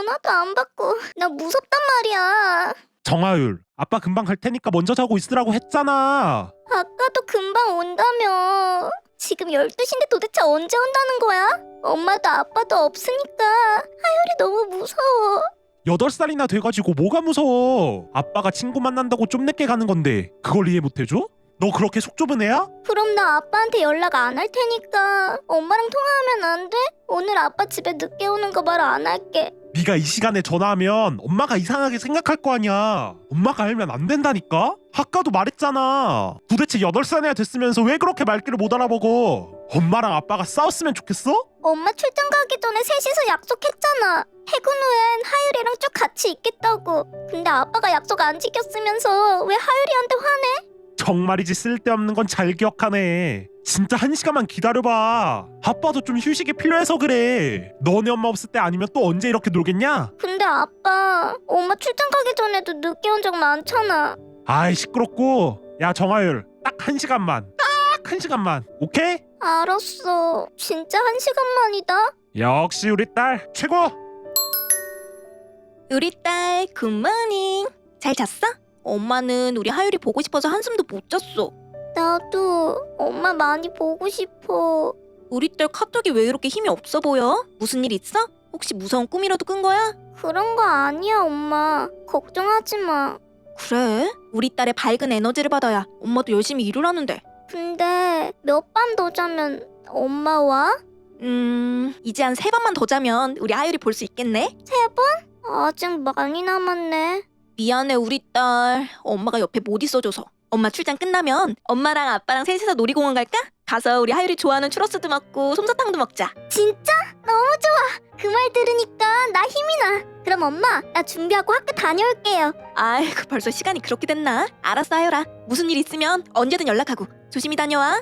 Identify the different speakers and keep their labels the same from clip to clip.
Speaker 1: 전화도 안 받고 나 무섭단 말이야.
Speaker 2: 정하율, 아빠 금방 갈 테니까 먼저 자고 있으라고 했잖아.
Speaker 1: 아까도 금방 온다며. 지금 12시인데 도대체 언제 온다는 거야? 엄마도 아빠도 없으니까 하율이 너무 무서워.
Speaker 2: 8살이나 돼가지고 뭐가 무서워. 아빠가 친구 만난다고 좀 늦게 가는 건데 그걸 이해 못해줘? 너 그렇게 속 좁은 애야?
Speaker 1: 그럼 나 아빠한테 연락 안 할 테니까 엄마랑 통화하면 안 돼? 오늘 아빠 집에 늦게 오는 거 말 안 할게.
Speaker 2: 네가 이 시간에 전화하면 엄마가 이상하게 생각할 거 아니야. 엄마가 알면 안 된다니까? 아까도 말했잖아. 도대체 8살이나 됐으면서 왜 그렇게 말귀를 못 알아보고. 엄마랑 아빠가 싸웠으면 좋겠어?
Speaker 1: 엄마 출장 가기 전에 셋이서 약속했잖아. 퇴근 후엔 하율이랑 쭉 같이 있겠다고. 근데 아빠가 약속 안 지켰으면서 왜 하율이한테 화내?
Speaker 2: 정말이지 쓸데없는 건 잘 기억하네. 진짜 1시간만 기다려봐. 아빠도 좀 휴식이 필요해서 그래. 너네 엄마 없을 때 아니면 또 언제 이렇게 놀겠냐?
Speaker 1: 근데 아빠, 엄마 출장 가기 전에도 늦게 온 적 많잖아.
Speaker 2: 아이 시끄럽고. 야 정하율, 딱 1시간만. 딱 1시간만. 오케이?
Speaker 1: 알았어. 진짜 1시간만이다.
Speaker 2: 역시 우리 딸 최고.
Speaker 3: 우리 딸 굿모닝. 잘 잤어? 엄마는 우리 하율이 보고 싶어서 한숨도 못 잤어.
Speaker 1: 나도 엄마 많이 보고 싶어.
Speaker 3: 우리 딸 카톡이 왜 이렇게 힘이 없어 보여? 무슨 일 있어? 혹시 무서운 꿈이라도 꾼 거야?
Speaker 1: 그런 거 아니야, 엄마. 걱정하지 마.
Speaker 3: 그래? 우리 딸의 밝은 에너지를 받아야 엄마도 열심히 일을 하는데.
Speaker 1: 근데 몇 밤 더 자면 엄마 와?
Speaker 3: 이제 한 3번만 더 자면 우리 하율이 볼 수 있겠네?
Speaker 1: 3번? 아직 많이 남았네.
Speaker 3: 미안해 우리 딸. 엄마가 옆에 못 있어줘서. 엄마 출장 끝나면 엄마랑 아빠랑 셋이서 놀이공원 갈까? 가서 우리 하율이 좋아하는 추러스도 먹고 솜사탕도 먹자.
Speaker 1: 진짜? 너무 좋아. 그 말 들으니까 나 힘이 나. 그럼 엄마, 나 준비하고 학교 다녀올게요.
Speaker 3: 아이고 벌써 시간이 그렇게 됐나? 알았어 하율아. 무슨 일 있으면 언제든 연락하고 조심히 다녀와.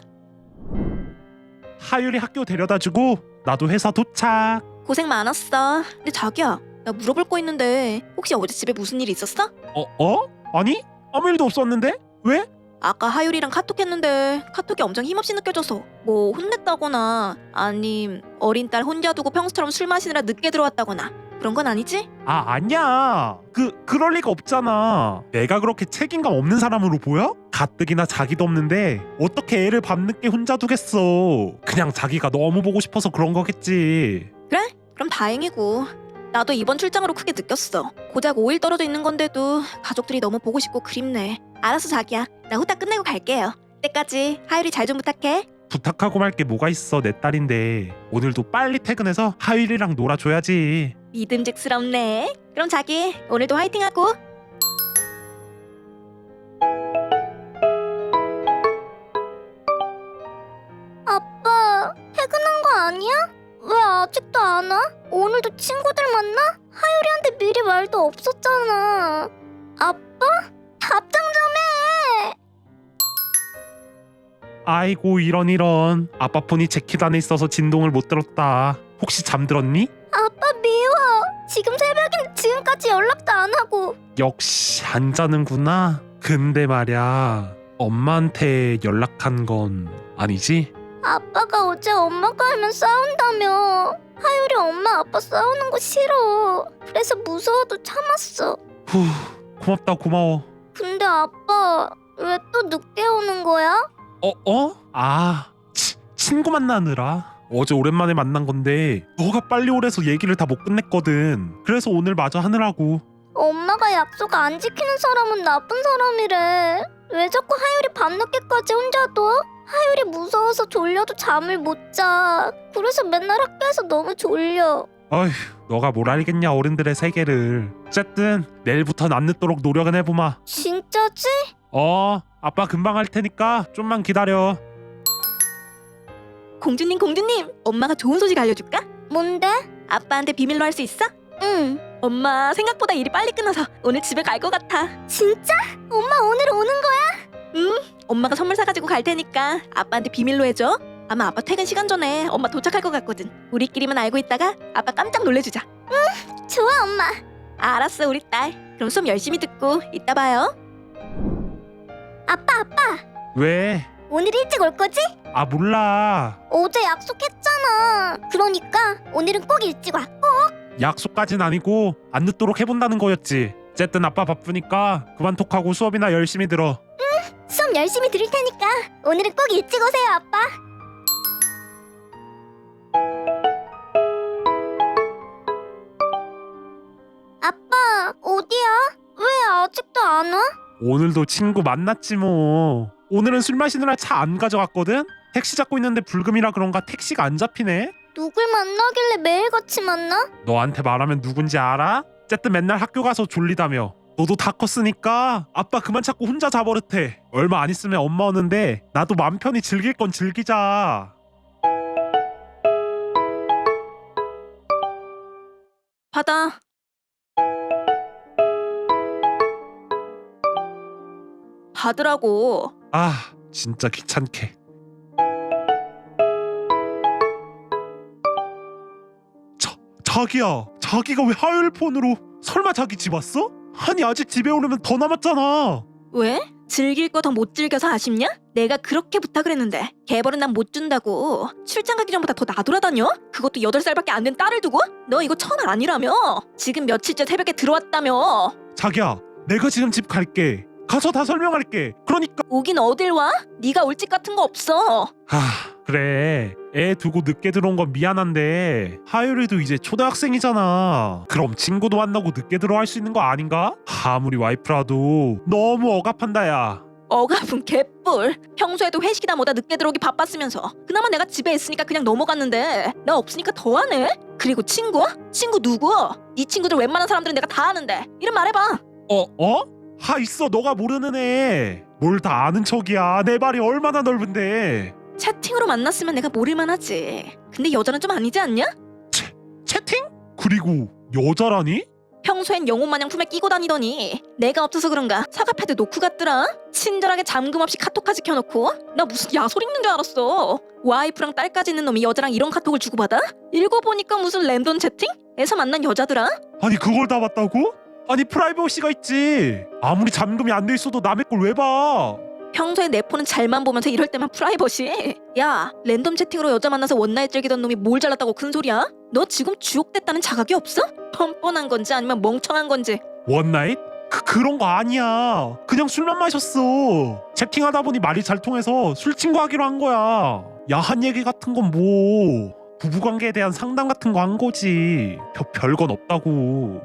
Speaker 2: 하율이 학교 데려다주고 나도 회사 도착.
Speaker 3: 고생 많았어. 근데 자기야, 나 물어볼 거 있는데 혹시 어제 집에 무슨 일 있었어?
Speaker 2: 아니? 아무 일도 없었는데? 왜?
Speaker 3: 아까 하율이랑 카톡했는데 카톡이 엄청 힘없이 느껴져서 뭐 혼냈다거나 아님 어린 딸 혼자 두고 평소처럼 술 마시느라 늦게 들어왔다거나 그런 건 아니지?
Speaker 2: 아니야. 그럴 리가 없잖아. 내가 그렇게 책임감 없는 사람으로 보여? 가뜩이나 자기도 없는데 어떻게 애를 밤늦게 혼자 두겠어. 그냥 자기가 너무 보고 싶어서 그런 거겠지.
Speaker 3: 그래? 그럼 다행이고. 나도 이번 출장으로 크게 느꼈어. 고작 5일 떨어져 있는 건데도 가족들이 너무 보고 싶고 그립네. 알았어 자기야. 나 후딱 끝내고 갈게요. 그때까지 하율이 잘 좀 부탁해.
Speaker 2: 부탁하고 말 게 뭐가 있어. 내 딸인데 오늘도 빨리 퇴근해서 하율이랑 놀아줘야지.
Speaker 3: 믿음직스럽네. 그럼 자기 오늘도 화이팅하고.
Speaker 1: 아빠, 퇴근한 거 아니야? 왜 아직도 안 와? 오늘도 친구들 만나? 하율이한테 미리 말도 없었잖아. 아빠? 답장 좀 해!
Speaker 2: 아이고 이런. 아빠 폰이 재킷 안에 있어서 진동을 못 들었다. 혹시 잠들었니?
Speaker 1: 아빠 미워. 지금 새벽인데 지금까지 연락도 안 하고.
Speaker 2: 역시 안 자는구나. 근데 말야, 엄마한테 연락한 건 아니지?
Speaker 1: 아빠가 어제 엄마가 알면 싸운다며. 하율이 엄마 아빠 싸우는 거 싫어. 그래서 무서워도 참았어.
Speaker 2: 후, 고맙다 고마워.
Speaker 1: 근데 아빠 왜 또 늦게 오는 거야?
Speaker 2: 친구 만나느라. 어제 오랜만에 만난 건데 너가 빨리 오래서 얘기를 다 못 끝냈거든. 그래서 오늘 마저 하느라고.
Speaker 1: 엄마가 약속 안 지키는 사람은 나쁜 사람이래. 왜 자꾸 하율이 밤늦게까지 혼자 둬? 하율이 무서워서 졸려도 잠을 못 자. 그래서 맨날 학교에서 너무 졸려.
Speaker 2: 어휴, 너가 뭘 알겠냐 어른들의 세계를. 어쨌든 내일부터는 안 늦도록 노력은 해보마.
Speaker 1: 진짜지?
Speaker 2: 아빠 금방 할 테니까 좀만 기다려.
Speaker 3: 공주님 엄마가 좋은 소식 알려줄까?
Speaker 1: 뭔데?
Speaker 3: 아빠한테 비밀로 할 수 있어?
Speaker 1: 응.
Speaker 3: 엄마 생각보다 일이 빨리 끝나서 오늘 집에 갈 것 같아.
Speaker 1: 진짜? 엄마 오늘 오는 거야?
Speaker 3: 엄마가 선물 사가지고 갈 테니까 아빠한테 비밀로 해줘. 아마 아빠 퇴근 시간 전에 엄마 도착할 것 같거든. 우리끼리만 알고 있다가 아빠 깜짝 놀래주자.
Speaker 1: 좋아 엄마.
Speaker 3: 알았어 우리 딸. 그럼 수업 열심히 듣고 이따 봐요.
Speaker 1: 아빠
Speaker 2: 왜?
Speaker 1: 오늘 일찍 올 거지?
Speaker 2: 몰라.
Speaker 1: 어제 약속했잖아. 그러니까 오늘은 꼭 일찍 와. 꼭.
Speaker 2: 약속까진 아니고 안 늦도록 해본다는 거였지. 어쨌든 아빠 바쁘니까 그만 톡하고 수업이나 열심히 들어.
Speaker 1: 수업 열심히 들을 테니까 오늘은 꼭 일찍 오세요, 아빠. 아빠, 어디야? 왜 아직도 안 와?
Speaker 2: 오늘도 친구 만났지 뭐. 오늘은 술 마시느라 차 안 가져갔거든? 택시 잡고 있는데 불금이라 그런가 택시가 안 잡히네?
Speaker 1: 누굴 만나길래 매일 같이 만나?
Speaker 2: 너한테 말하면 누군지 알아? 어쨌든 맨날 학교 가서 졸리다며. 너도 다 컸으니까 아빠 그만 찾고 혼자 자버릇해. 얼마 안 있으면 엄마 오는데 나도 맘 편히 즐길 건 즐기자.
Speaker 3: 받아. 받으라고.
Speaker 2: 아 진짜 귀찮게. 자기가 왜 화요일 폰으로? 설마 자기 집 왔어? 아니 아직 집에 오려면 더 남았잖아.
Speaker 3: 왜? 즐길 거 더 못 즐겨서 아쉽냐? 내가 그렇게 부탁을 했는데 개벌은 난 못 준다고. 출장 가기 전보다 더 나돌아다녀? 그것도 8살밖에 안 된 딸을 두고? 너 이거 천 아니라며? 지금 며칠째 새벽에 들어왔다며?
Speaker 2: 자기야 내가 지금 집 갈게. 가서 다 설명할게. 그러니까
Speaker 3: 오긴 어딜 와? 네가 올 집 같은 거 없어.
Speaker 2: 그래 애 두고 늦게 들어온 건 미안한데 하율이도 이제 초등학생이잖아. 그럼 친구도 만나고 늦게 들어와 할 수 있는 거 아닌가? 아무리 와이프라도 너무 억압한다 야.
Speaker 3: 억압은 개뿔. 평소에도 회식이다 뭐다 늦게 들어오기 바빴으면서 그나마 내가 집에 있으니까 그냥 넘어갔는데 나 없으니까 더하네? 그리고 친구? 친구 누구? 네 친구들 웬만한 사람들은 내가 다 아는데 이름 말해봐.
Speaker 2: 있어 너가 모르는 애. 뭘 다 아는 척이야. 내 발이 얼마나 넓은데.
Speaker 3: 채팅으로 만났으면 내가 모를만 하지. 근데 여자는 좀 아니지 않냐?
Speaker 2: 채팅? 그리고 여자라니?
Speaker 3: 평소엔 영혼 마냥 품에 끼고 다니더니 내가 없어서 그런가 사과 패드 놓고 갔더라. 친절하게 잠금 없이 카톡까지 켜놓고. 나 무슨 야솔 읽는 줄 알았어. 와이프랑 딸까지 있는 놈이 여자랑 이런 카톡을 주고받아? 읽어보니까 무슨 랜덤 채팅? 에서 만난 여자더라.
Speaker 2: 아니 그걸 다 봤다고? 아니 프라이버시가 있지. 아무리 잠금이 안 돼 있어도 남의 걸 왜 봐?
Speaker 3: 평소에 내 폰은 잘만 보면서 이럴 때만 프라이버시. 야, 랜덤 채팅으로 여자 만나서 원나잇 즐기던 놈이 뭘 잘났다고 큰 소리야? 너 지금 주옥됐다는 자각이 없어? 뻔뻔한 건지 아니면 멍청한 건지.
Speaker 2: 원나잇? 그런 거 아니야. 그냥 술만 마셨어. 채팅하다 보니 말이 잘 통해서 술 친구 하기로 한 거야. 야한 얘기 같은 건 뭐 부부관계에 대한 상담 같은 거 한 거지. 별건 없다고.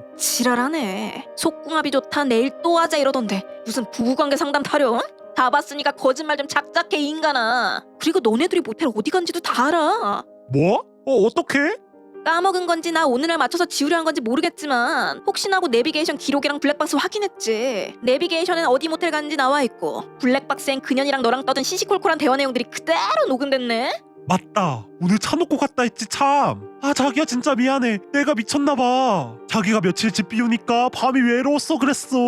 Speaker 3: 지랄하네. 속궁합이 좋다 내일 또 하자 이러던데 무슨 부부관계 상담 타령? 다 봤으니까 거짓말 좀 작작해 이 인간아. 그리고 너네들이 모텔 어디 간지도 다 알아.
Speaker 2: 뭐? 어떡해?
Speaker 3: 까먹은 건지 나 오늘날 맞춰서 지우려 한 건지 모르겠지만 혹시나 하고 내비게이션 기록이랑 블랙박스 확인했지. 내비게이션엔 어디 모텔 갔는지 나와있고 블랙박스엔 그년이랑 너랑 떠든 시시콜콜한 대화 내용들이 그대로 녹음됐네.
Speaker 2: 맞다. 오늘 차 놓고 갔다 했지 참. 자기야 진짜 미안해. 내가 미쳤나봐. 자기가 며칠 집 비우니까 밤이 외로웠어 그랬어.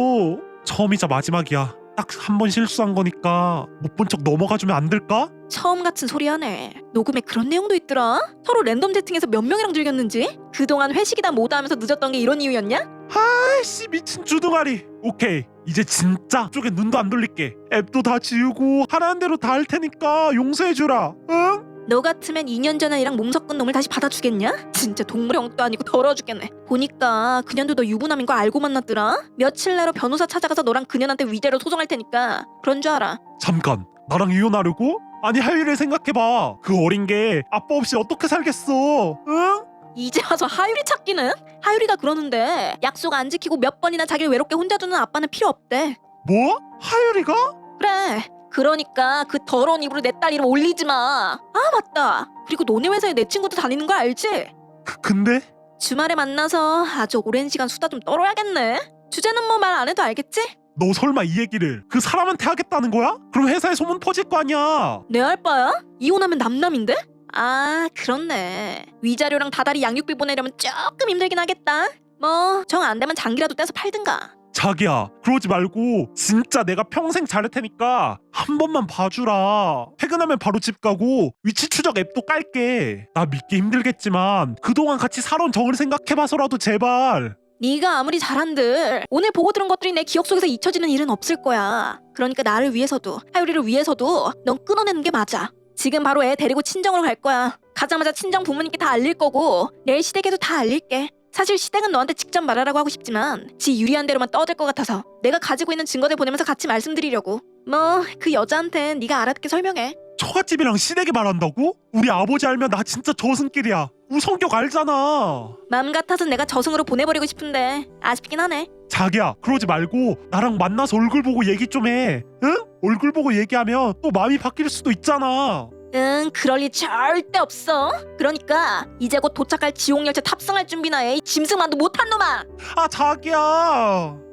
Speaker 2: 처음이자 마지막이야. 딱 한 번 실수한 거니까 못 본 척 넘어가주면 안 될까?
Speaker 3: 처음 같은 소리 하네. 녹음에 그런 내용도 있더라. 서로 랜덤 채팅에서 몇 명이랑 즐겼는지. 그동안 회식이다 뭐다 하면서 늦었던 게 이런 이유였냐?
Speaker 2: 아이씨 미친 주둥아리. 오케이 이제 진짜 쪽에 눈도 안 돌릴게. 앱도 다 지우고 하라는 대로 다 할 테니까 용서해주라. 응?
Speaker 3: 너 같으면 2년 전에 이랑 몸 섞은 놈을 다시 받아주겠냐? 진짜 동물의 엉도 아니고 더러워 죽겠네. 보니까 그년도 너 유부남인 거 알고 만났더라. 며칠 내로 변호사 찾아가서 너랑 그년한테 위자료 소송할 테니까 그런 줄 알아.
Speaker 2: 잠깐 나랑 이혼하려고? 아니 하율이를 생각해봐. 그 어린 게 아빠 없이 어떻게 살겠어. 응?
Speaker 3: 이제 와서 하율이 찾기는? 하율이가 그러는데 약속 안 지키고 몇 번이나 자기를 외롭게 혼자 두는 아빠는 필요 없대.
Speaker 2: 뭐? 하율이가?
Speaker 3: 그래. 그러니까 그 더러운 입으로 내 딸 이름 올리지 마. 아 맞다. 그리고 너네 회사에 내 친구도 다니는 거 알지?
Speaker 2: 근데?
Speaker 3: 주말에 만나서 아주 오랜 시간 수다 좀 떨어야겠네. 주제는 뭐 말 안 해도 알겠지?
Speaker 2: 너 설마 이 얘기를 그 사람한테 하겠다는 거야? 그럼 회사에 소문 퍼질 거 아니야.
Speaker 3: 내 알바야? 이혼하면 남남인데? 아 그렇네. 위자료랑 다달이 양육비 보내려면 조금 힘들긴 하겠다. 뭐 정 안 되면 장기라도 떼서 팔든가.
Speaker 2: 자기야 그러지 말고 진짜 내가 평생 잘할 테니까 한 번만 봐주라. 퇴근하면 바로 집 가고 위치 추적 앱도 깔게. 나 믿기 힘들겠지만 그동안 같이 살아온 정을 생각해봐서라도 제발.
Speaker 3: 네가 아무리 잘한들 오늘 보고 들은 것들이 내 기억 속에서 잊혀지는 일은 없을 거야. 그러니까 나를 위해서도 하율이를 위해서도 넌 끊어내는 게 맞아. 지금 바로 애 데리고 친정으로 갈 거야. 가자마자 친정 부모님께 다 알릴 거고 내일 시댁에도 다 알릴게. 사실 시댁은 너한테 직접 말하라고 하고 싶지만 지 유리한 대로만 떠들 것 같아서 내가 가지고 있는 증거들 보내면서 같이 말씀드리려고. 뭐 그 여자한텐 네가 알아듣게 설명해.
Speaker 2: 처갓집이랑 시댁이 말한다고? 우리 아버지 알면 나 진짜 저승길이야. 우성격 알잖아.
Speaker 3: 맘 같아서 내가 저승으로 보내버리고 싶은데 아쉽긴 하네.
Speaker 2: 자기야, 그러지 말고 나랑 만나서 얼굴 보고 얘기 좀 해. 응? 얼굴 보고 얘기하면 또 마음이 바뀔 수도 있잖아.
Speaker 3: 응, 그럴 리 절대 없어. 그러니까 이제 곧 도착할 지옥열차 탑승할 준비나 해. 이 짐승만도 못한 놈아.
Speaker 2: 아, 자기야.